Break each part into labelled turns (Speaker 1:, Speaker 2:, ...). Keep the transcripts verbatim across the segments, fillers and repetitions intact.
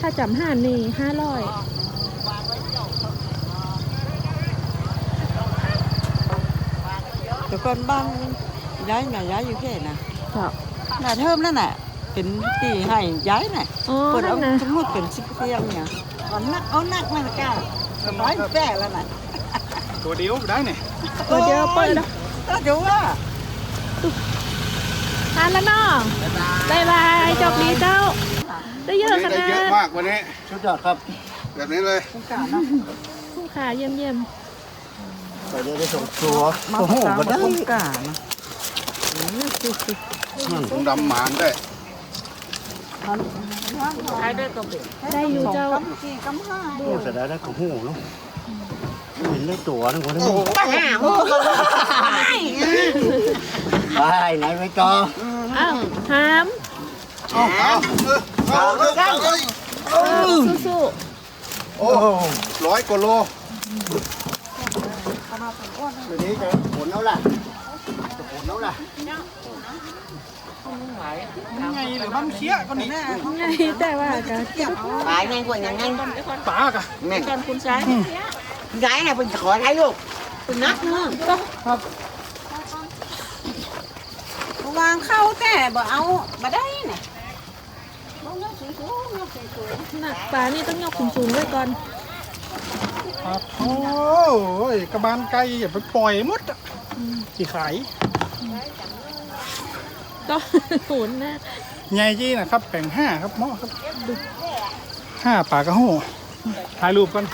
Speaker 1: ถ้าจำห้านี่ห้าร้อย
Speaker 2: แต่ก่อนบ้างย้ายแม่ย้ายอยู่แค่น่ะ
Speaker 1: ครับ
Speaker 2: น่ะเทิมนั่นน่ะเป็นตีให้ย้ายน่ะ
Speaker 1: อ๋อ
Speaker 2: เปิดเอา
Speaker 1: นั่นนะ
Speaker 2: สมมุติเป็นสิบเตียงเนี่ยเอานักเอานักมันก้าสบายแป้แล้วน่ะ
Speaker 3: ตัวเดียวได้เนี่ย
Speaker 1: ตัวเดียวเปิดแล้ว
Speaker 2: ก็เดี๋ยวว่า
Speaker 1: ทานแล้วเนาะบายบายจบดีเจ้า ได้เยอะข
Speaker 3: ได้
Speaker 1: นา
Speaker 3: เยอะ
Speaker 1: ด
Speaker 3: มากวันนี้
Speaker 4: ชุดยอดครับ
Speaker 3: แบบนี้เลย
Speaker 2: สงสารเนาะ
Speaker 1: คุ้มค่าเยี่ยมเยี่ยม
Speaker 4: ใส่ได้ส่งตัว
Speaker 2: มา
Speaker 4: โอ้โห
Speaker 2: ประกาศ
Speaker 4: มาได้
Speaker 2: สงกรานต์เนาะ
Speaker 3: ถุงดำหมานได้
Speaker 1: ได้อยู่เจ้า
Speaker 2: กำกี่กำห้า
Speaker 4: โอ้เสร็จแล้วได้ของหูเนาะเห็นได้ตัวนึงคนนึง
Speaker 2: ห้าโมง
Speaker 4: ไปไหนไปจอ
Speaker 1: อ้าวหาม
Speaker 3: เอาเอาเอาเอา
Speaker 1: สู้
Speaker 3: โอ้ร้อยกว่าโล
Speaker 4: เดี๋ยวนี้จะผลแล้วล่ะจะผลแล้วล่ะ
Speaker 3: ไงหรือมันเคี้ยก็นี่
Speaker 1: ๆไงแต่ว่ากัน
Speaker 2: ตายไงกว่าอย่างไง
Speaker 3: ปากอะ
Speaker 2: แม่กันคุณชายย้ายเนี่ยเป็นขอไทยลูกเป็นนักเนาะวางเข้าแต่บ่เอาบ่ได้เนี่ย
Speaker 1: หนักปลานี่ต้องยกสูงๆไว้ก่อน
Speaker 3: ครับโอ้ยกระบาลไก่อย่าไปปล่อยมดอะที่ขาย
Speaker 1: ก็โหนนะ
Speaker 3: ไงจี้นะครับแบ่งห้าครับหม้อครับห้าปากกระโหถ่ายรูปกัน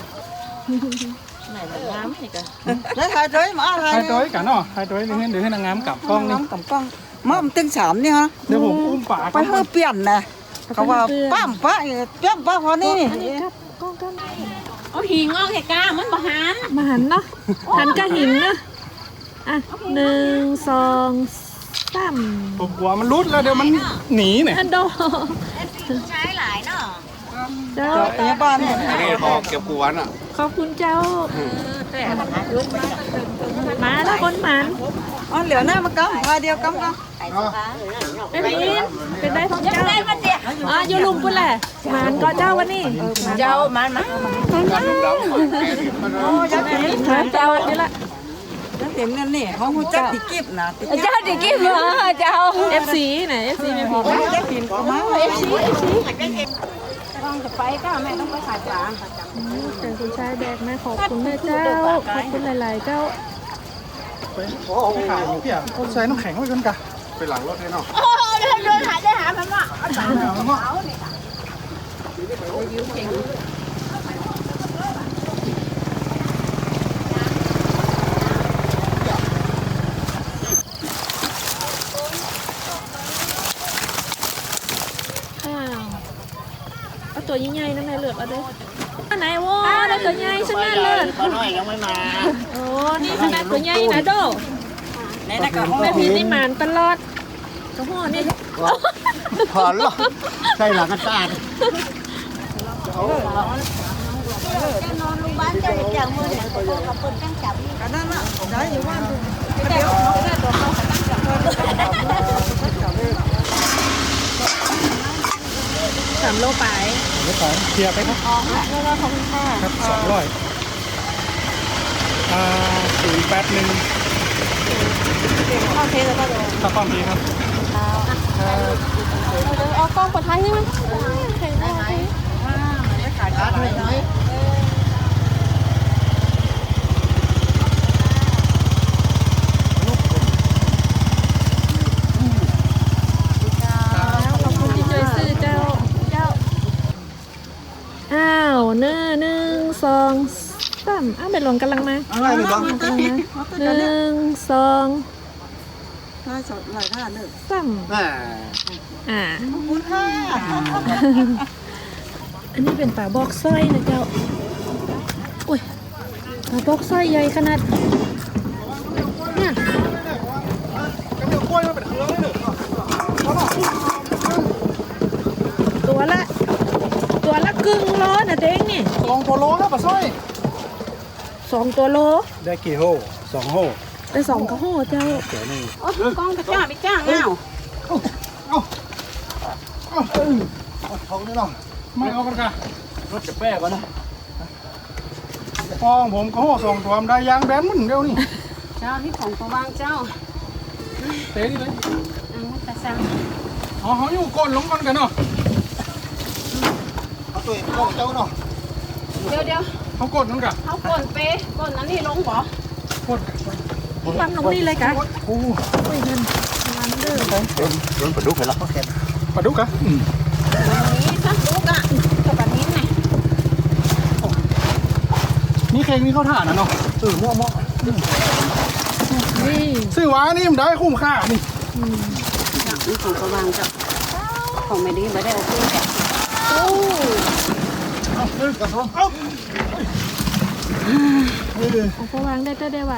Speaker 2: แล้วถ่ายด้วยมาถ่าย
Speaker 3: ถ่ายตัวกันเนาะถ่ายตัวเดี๋ยวให้เดี๋ยวให้นางงามกลับกล้องนี่
Speaker 2: น้ำกับกล้องมามันตึงสามนี่ฮะ
Speaker 3: เดี๋ยวผมอุ้มปาก
Speaker 2: ไปเพื่อเปลี่ยนนะเขาว่าปั้มป้าเปลี่ยนป้าพอนี่
Speaker 1: อันนี้ครับกล้องกัน
Speaker 5: เอาหิงออกแค่กล้ามันบ่หัน
Speaker 1: มาหันเนาะหันก็หินนะอ่ะหนึ่งสองสาม
Speaker 3: ผมกลัวมันรุดแล้วเดี๋ยวมันหนีเนี่ย
Speaker 1: อันโด
Speaker 5: ใช้หลายเนาะ
Speaker 1: เจ้า
Speaker 2: พยาบาลเนี่ย
Speaker 3: นี่พอเก็บกวนอ่ะ
Speaker 1: ขอบคุณเจ้า
Speaker 5: แต่
Speaker 1: มาแล้วคนหมัน
Speaker 2: อ๋อเหลือหน้ามากำพาเดียวกำกัน
Speaker 1: เป็นอินเป็นได้ของเจ้า
Speaker 5: ได้มันเดียว
Speaker 1: อ่ะอยู่ลุงพุ่นแหละหมันก็เจ้าวันนี้
Speaker 5: เจ้ามันมา
Speaker 2: โอ้ยักษ์เห็น
Speaker 1: หมันเจ้าวันนี้ละ
Speaker 2: ยักษ์เห็นนั่นนี่เขาหูจักติกิบนะติกิบ
Speaker 5: เจ้าดิกี้มาเจ้า
Speaker 1: เอฟซีไหนเอฟซีไม่พอ
Speaker 2: ยักษ์เห็นก็มา
Speaker 1: เอฟซีเอฟซี
Speaker 5: ต้องจะไปก็แม่ต้องไปขายปลา
Speaker 1: แต่คุณชายแบกมาขอบคุณแม่เจ้าขอบคุณหลายๆเจ้า
Speaker 3: ไปขายอยู่พี่อ่ะใส่น้ำแข็งไว้กันกะไปหลังรถให้เนาะ
Speaker 5: โอ้เดินเดินหาได้หามันว่า
Speaker 1: อ้าวเอาตัวใหญ่ๆนะแม่เลือกเอาด้วยอันไหนวะได้ตัวใหญ่ชนะเลิศ
Speaker 4: ป้าน้อยยังไม่มา
Speaker 1: โอ้นี่ขนาดตัวใหญ่นะโด
Speaker 2: ในนักกับ
Speaker 1: แม่พีนี่หมานตลอดกระหัวนี่
Speaker 4: ถอนหรอใส่หลังกันตาด
Speaker 5: นอนโรงพยาบาลเจ้าอย่างมือเนี่ยตัวกับเปิ้นตั้งจับ
Speaker 2: กันนั่นน่ะได้อยู่บ้านเดี๋ยว
Speaker 1: สามโลไป
Speaker 3: เดี๋ยวขอเคลียร์ไปครับ
Speaker 2: แล้วเราขอบคุณค่ะ
Speaker 3: ครับสองร้อยอ่าศูนย์แปดหนึ่ง
Speaker 2: เข้าเทสแล้วก็โดน
Speaker 3: ข้าวป้อมนี้ครับ
Speaker 1: เอากล้องปลอดภัยใช่ไหม
Speaker 2: ไม่ขายขาดเลยน้อย
Speaker 1: ขอบคุณที่ช่วยซื้อเจ้า อ้าวเนื้อหนึ่งสองสามอ้าวเป็นหลงกำลังมา
Speaker 2: อะไรหรือบ้าง
Speaker 1: กำลังมาหนึ่งสอง
Speaker 2: น่าสดหลายท่าหนึ่ง
Speaker 1: สาม
Speaker 4: แม่
Speaker 1: อ่า
Speaker 2: ขอบคุณค่ะ
Speaker 1: อันนี้เป็นปลาบอกสร้อยนะเจ้าอุ้ยปลาบอกสร้อยใหญ่ขนาดเนี่ย
Speaker 3: ก็เดี๋ยวกล้วยมาเป็นเครื่องเลยหนึ่ง
Speaker 1: ตัวละ ตัวละกึ่งโลนะเด้งนี่
Speaker 3: ลองโปโลแล้วปะสร้อย
Speaker 1: สองตัวโล
Speaker 3: ได้กี่โฮสองโฮ
Speaker 1: ไปสองกระโหเจ้า
Speaker 3: เดี๋ยวนี่
Speaker 5: โอ้กล้องกระจ้าไปจ้างแล้ว
Speaker 3: เอาเอาเอาเอาท้องนี่เนาะไม่เอากันกะ
Speaker 4: รถจะแป้ก่อนนะ
Speaker 3: ฟองผมก็ห่อสองตัวได้ยางแบนมึนเดียวนี่
Speaker 5: เจ้าที่ของประวางเจ้า
Speaker 3: เตะนี่เลย
Speaker 5: อังตะซัง
Speaker 3: อ๋อเขาอยู่ก้นลงกันกันเนาะ
Speaker 4: เอาตัวเองเข้าเจ้าเนาะ
Speaker 5: เดี๋ยวเดี๋ยว
Speaker 3: เขาก้นนั่นกะ
Speaker 5: เขาก่นเป๊ะก่นนั้นนี่ลงบ่
Speaker 3: ก้น
Speaker 1: ฟังลงนี่เลยกะ
Speaker 3: โอ้
Speaker 1: อุ้ยเงินมันเด้อ
Speaker 4: โดนปลาดุกไปแล้ว
Speaker 3: ปลาดุกอะ
Speaker 5: นี้สักลูกอ่ะกับแบบนี้ไง
Speaker 3: นี่เคงนี่เขาถ่านนะเนาะ
Speaker 4: เออมั่วมั่ว
Speaker 1: นี่
Speaker 3: ซื้อว้านี่มันได้คุ้มค่านี่
Speaker 5: นี่ของประวางเจ้าของไม่ดีไม่ได้โอเคแก
Speaker 1: โอ้
Speaker 3: เอาเออกระทงเอาเออ
Speaker 1: ของพวางได้เต้ได้ว่า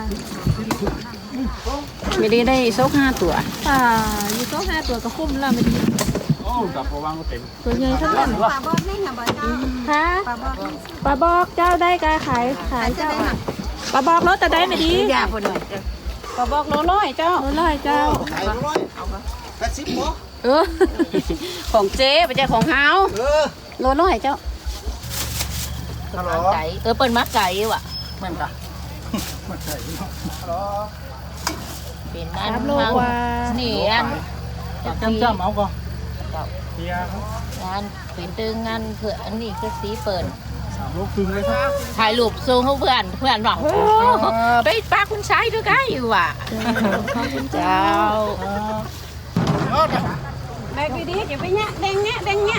Speaker 5: ไม่ดีได้โซกห้าตัว
Speaker 1: ป่าอยู่โต๊ะห้าตัวก็คุ้มละไม่ดี
Speaker 3: โอ้กับพอวางก็เต็ม
Speaker 1: ตัวใหญ่ทั้งนั้น
Speaker 5: ปลาบอสนี่ค่ะบอสเจ้า
Speaker 1: ฮะ
Speaker 5: ปลาบอส
Speaker 1: ปลาบอกเจ้าได้กาขายขายเจ้าปลาบอกรถแต่ได้ไม่ดี
Speaker 5: ยาพอดีปลาบอกโลร้อยเจ้า
Speaker 1: โอ้ร้อยเจ้า
Speaker 4: ขายร้อยแปดสิบหมอ
Speaker 1: เออ
Speaker 5: ของเจ๊ไปเจ้าของเฮา
Speaker 4: เออ
Speaker 5: โลร้อยเจ้า
Speaker 4: ฮัลโหล
Speaker 5: ไก่เออเปิ้นมักไก่ว่ะ
Speaker 4: แม่นกะ
Speaker 3: มาใส่เนาะ
Speaker 4: ฮัลโหล
Speaker 5: เป็น
Speaker 1: สา
Speaker 5: นั่น
Speaker 1: มโลกว่า
Speaker 5: นี่อัน
Speaker 3: จ้ำจ้ำเอาก่อนเฮียครับ
Speaker 5: งานเป็นตึงงานเพื่ออันนี้คือสีเปิด
Speaker 3: สามโลครึ่งเลยครับ
Speaker 5: ถ่ายรูปส่งเขาเพื่อนเพื่อนบอกโอ้ไปปากคุณชายด้วยกันอยู่ว่ะ
Speaker 1: ขอบคุณเจ้า
Speaker 5: เจ้า
Speaker 3: เอา
Speaker 5: แบกดีๆอย่าไปแง่แดงแง่แดงแง่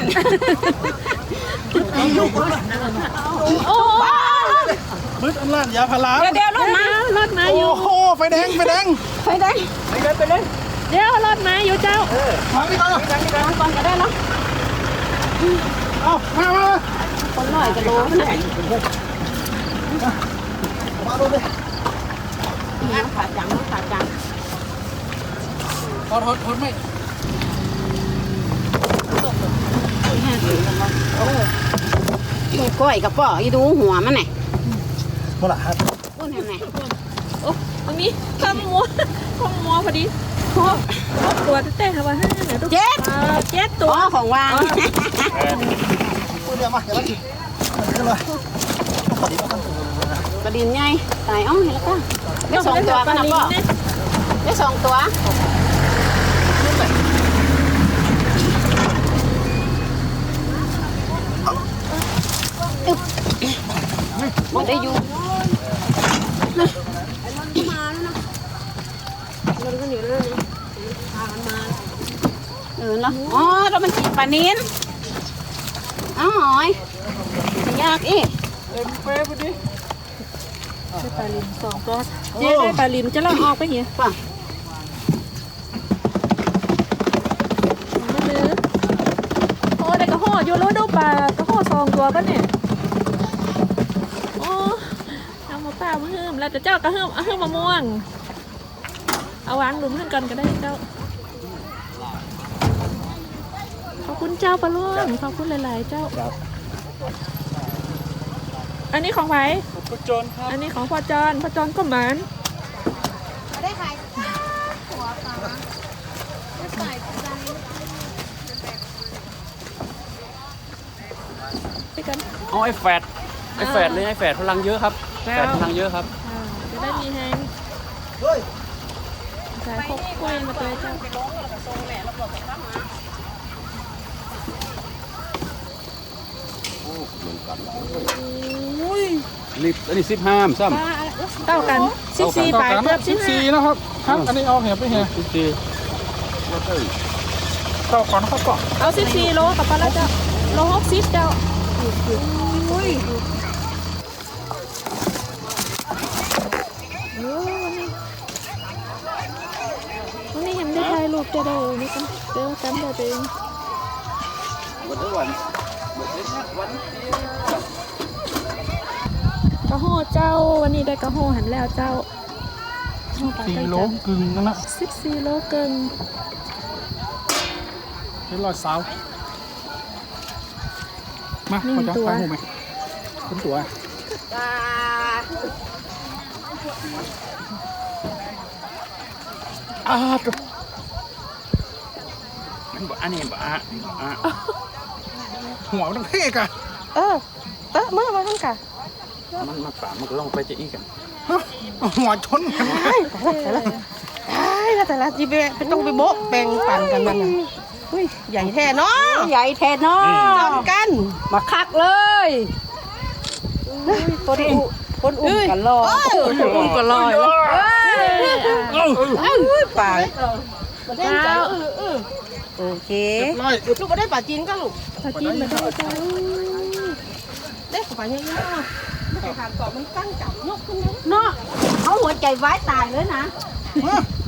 Speaker 1: โอ้
Speaker 3: มืดอันล่านยาพารา
Speaker 5: เดี๋ยวเดี๋ยวรถมาร
Speaker 1: ถมา
Speaker 3: โอ้
Speaker 1: อยู่
Speaker 3: โหไฟแดงไฟแดง
Speaker 5: ไปได้
Speaker 4: ไปเลยไปเลย
Speaker 1: เดี๋ยวรถมาอยู่เจ้า
Speaker 3: มาพี่ก่อน
Speaker 5: ทางก่อนก็ได้เนาะ
Speaker 3: เอามามา
Speaker 5: คนหน่อยก็รู้นะ
Speaker 4: มาดูเลย
Speaker 5: ขาจังขาจัง
Speaker 3: ทอดทอดทอดไม่
Speaker 5: ก้อยกับป่ออีดูหัวมันไหน
Speaker 4: หมดละครับ
Speaker 5: พูดยังไง
Speaker 1: โอ้ตรงนี้ข้ามมัวข้ามมัวพอดีครบครบตัวเต้ๆค่ะว่าห้าเนี่ยทุก
Speaker 5: เจ็ด
Speaker 1: อ่าเจ็ดตั
Speaker 5: อ๋
Speaker 1: ว
Speaker 5: อของวาง
Speaker 4: พูดเดียวมาเดี๋ยวมาจิขึ้นเลยพอดีก็ต้อง
Speaker 5: กระดิ่งใหญ่ตายอ้อเห็นแล้วก็ได้สองตัวกันนะป่อได้สองตัวมันได้อยู่เออเนาะอ๋อเรามันจีบปลานินอ๋อหอยมันยากอีก
Speaker 3: เต็มเป๊ะพอดี
Speaker 1: ได้ปลาลิมสองตัวเจ๊ได้ปลาลิมจะลองออกไปเหี้ย
Speaker 5: ป่ะ
Speaker 1: ไม่ลืมโอ้ได้กระห่ออยู่รู้ดูปลากระห่อสองตัวปะเนี่ยโอ้เอามาเปล่ามาหืมแล้วแต่เจ้ากระหืมเอาหืมมะม่วงเอาวางหลุมขึ้นก่อนก็ได้เจ้าขอบคุณเจ้าปลาล่วงขอบคุณหลายๆเจ้าอันนี้ของไผ
Speaker 3: ประจนครับ
Speaker 1: อันนี้ของพ่อจอนพ่อจอนก็หมาน
Speaker 5: ได้ใคร
Speaker 1: ไปกัน
Speaker 6: เอาไอ้แฟดไอ้แฟดเลยไอ้แฟดพลังเยอะครับแฟดพลังเยอะครับ
Speaker 1: อ่าจะได้มีแฮง
Speaker 4: เฮ้ย
Speaker 1: สายพกกล้วยมาตัวเจ้า
Speaker 6: รีบอันนี้สิบห้ามซ้
Speaker 1: เต้ากันสิบสี่
Speaker 3: ต่อ
Speaker 1: ปลาย
Speaker 3: กัน
Speaker 1: เกือ
Speaker 3: นะ
Speaker 1: บ
Speaker 3: สิ
Speaker 1: สิ
Speaker 3: บบ สี่
Speaker 1: ห้า
Speaker 3: นะครับครับอันนี้เอาเหี่ยไปเหี่ย
Speaker 6: ำสิบสี่
Speaker 3: ต่อก่อนครับก่อน
Speaker 1: เอาสิบสี่โลกับปลาแล้วเจ้าโลหกสิบเจ้าอุ้ยโอ้วันนี้วันนี้ยังได้ถ่ายรูปเจ้าได้นี่กันเดี๋ยวกันเดี๋ยวตัวเอง
Speaker 6: วันทุกวัน
Speaker 1: กระโหเจ้าวันนี้ได้กระโหหันแล้วเจ้า
Speaker 3: สี่โลกึ่งนั่นนะ
Speaker 1: สิบสี่โลเกิน
Speaker 3: เป็นรอยสาวมาขอจะไปหูไหมเป็นตัวอ่าตัว
Speaker 6: มันบอกอันนี้บอกอ่ะอ่ะ
Speaker 3: หัวมันต้องเท่กะ
Speaker 5: เออเตอะมามาทำกะ
Speaker 6: มันมันป่ามันก็ลองไปจะอีกกัน
Speaker 3: ฮะเอาหัวชนกัน
Speaker 5: ตายแต่ละตายแล้วแต่ละจีเบไปต้องไปโบ๊ะแบ่งปันกันนั่นน่ะอุ้ยใหญ่แท้เนาะ
Speaker 2: ใหญ่แทนเนาะ
Speaker 5: จอมกัน
Speaker 2: มาคักเลยคนอุ้คนอุ้มกันรอ
Speaker 5: คนอุ้มก็ลอยอุ้ยป่าเล่นใจเออเออโอเค
Speaker 3: ร้อย
Speaker 5: ลูกก็ได้ป่าจีนก็ลูกป่าจีนมาได้จ้าได้ป่าเยอะๆไม่ไปทานต่อมันตั้งจับยกขึ้นนะ
Speaker 2: เนาะเขาหัวใจไว้ตายเลยนะ
Speaker 3: ฮะ